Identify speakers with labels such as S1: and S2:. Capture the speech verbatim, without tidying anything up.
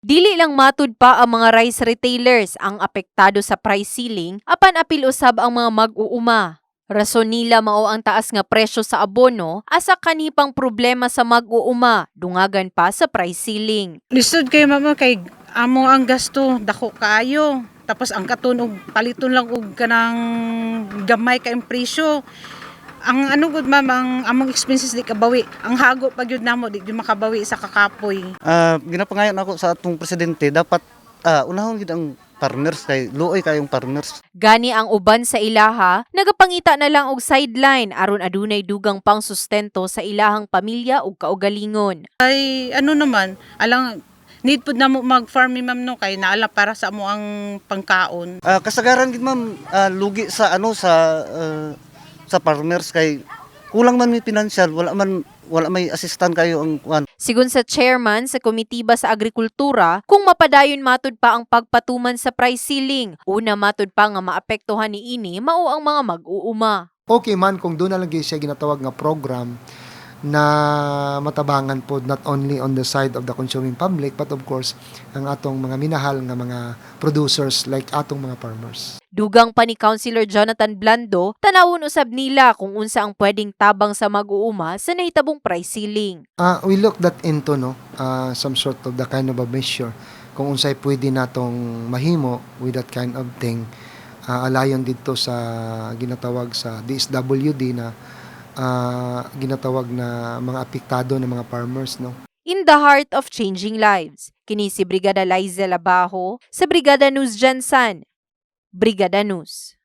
S1: Dili lang matud pa ang mga rice retailers ang apektado sa price ceiling apan apil usab ang mga mag-uuma. Rason nila mao ang taas nga presyo sa abono asa kanipang problema sa mag-uuma dungagan pa sa price ceiling.
S2: Lisod kay mama kay amo ang gasto dako kaayo. Tapos ang katunog paliton lang og kanang gamay kay presyo. Ang ano gud ma'am, ang among expenses di kabawi. Ang hago pag yun namo di gyud makabawi sa kakapoy.
S3: Ah, ginapangayon ako sa atong presidente dapat ah, unahon gid ang farmers kay luoy kayong farmers.
S1: Gani ang uban sa ilaha, nagapangita na lang og sideline aron adunay dugang pang sustento sa ilahang pamilya ug kaugalingon.
S2: Ay ano naman, alang need pud namo mag-farm mi ma'am no kay naala para sa amo ang pangkaon.
S3: Ah, kasagaran gid ma'am ah, lugi sa ano sa ah, sa farmers kay kulang man may financial, wala man wala may assistant kayo ang kuan.
S1: Sigun sa chairman sa Komitiba sa Agrikultura, kung mapadayon matud pa ang pagpatuman sa price ceiling, una matud pa nga maapektuhan niini mao ang mga mag-uuma.
S4: Okay man kung doon na lang gyud siya ginatawag nga program na matabangan po not only on the side of the consuming public but of course ang atong mga minahal nga mga producers like atong mga farmers.
S1: Dugang pa ni Councilor Jonathan Blando, tanawon usab nila kung unsa ang pwedeng tabang sa mag-uuma sa nahitabong price ceiling.
S4: Uh, we look that into no uh, some sort of the kind of a measure kung unsay pwede natong mahimo with that kind of thing uh, alayon dito sa ginatawag sa D S W D na uh, ginatawag na mga apektado ng mga farmers no.
S1: In the heart of changing lives, kini si Brigada Liza Labajo sa Brigada News Jansan. Brigada News.